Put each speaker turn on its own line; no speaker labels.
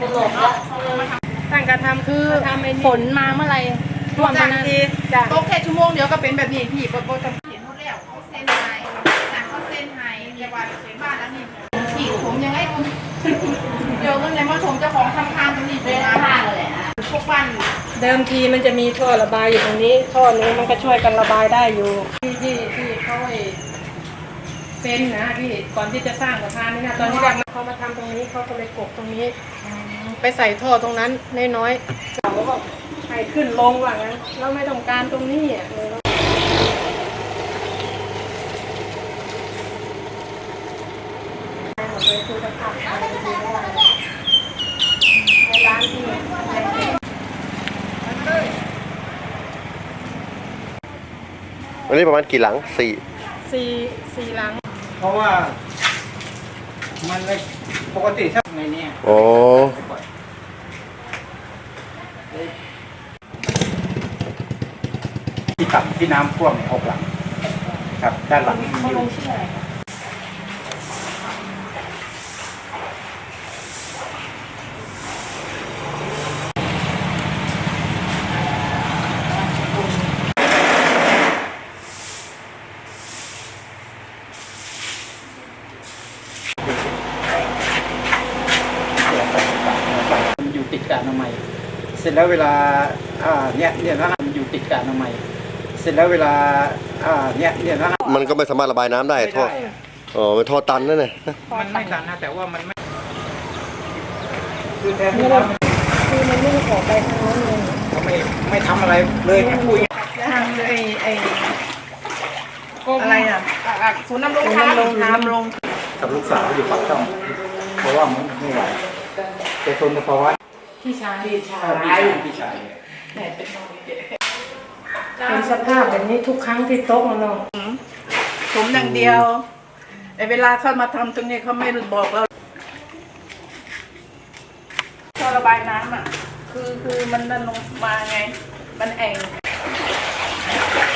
หลบแล้วตั้งการทำคือฝนมาเมื่อไหร่ท่วมนั้นจ้ะตกแค่ชั่วโมงเดียวก็เป็นแบบนี้พี่โบทำเห็นหมดแล้วเขาเส้นไห้เขาเส้นไห้เรียกว่าเส้นบ้านแล้วนี่พี่ผมยังไงคุณเดี๋ยวเงินในมาชมเจ้าของทำทางตรงนี้เป็นอะไรเลยนะพวกบ้านเดิมทีมันจะมีท่อระบายอยู่ตรงนี้ท่อนี้มันก็ช่วยกันระบายได้อยู่ที่เขาเซ็นนะพี่ก่อนที่จะสร้างสะพานนี่นะตอนที่เขามาทำตรงนี้เขาก็เลยกบตรงนี้ไปใส่ท่อตรงนั้นน้อยๆเขาก็ให้ขึ้นลงว่างั้นเราไม่ต้องการตรงนี้อ่ะเลยคือจะขับไปดูว่าในร้านที่
อันนี้ประมาณกี่หลังสี่
หลัง
เพราะว่ามันปกติถ้าในนี้
อ๋อ
ที่ต่ำที่น้ำท่วม6 หลังครับด้านหลัง
เขาลงชื่ออะไรคะ
มันอยู่ติดกับอนามัยเสร็จแล้วเวลาเนี่ยนะมันอยู่ติดกับอนามัยเสร็จแล้วเวลาเนี่ยนะ
มันก็ไม่สามารถระบายน้ำได้ท่ออ๋อเป็นท่อตันนั่นเอง
มันไม่ตันนะแต่ว่ามันไม่คือแทน
ที่ว่าคือมันไม่ได้ออกไปทางโน้นเลย
เขาไม่ทำอะไรเลยแค่คุย
ทางอะไรอ่ะศูนย์นำรงธรรมลง
กับลูกสาวอยู่ปากช่องเพราะว่ามันไม่ไหวแต่ทนภาวะ
พี่ชายเป็นสภาพแบบนี้ทุกครั้งที่โต๊ะมันลงผมอย่างเดียวแต่เวลาเขามาทำตรงนี้เขาไม่บอกเราท่อระบายน้ำอ่ะคือมันนั่นลงมาไงมันแอ่ง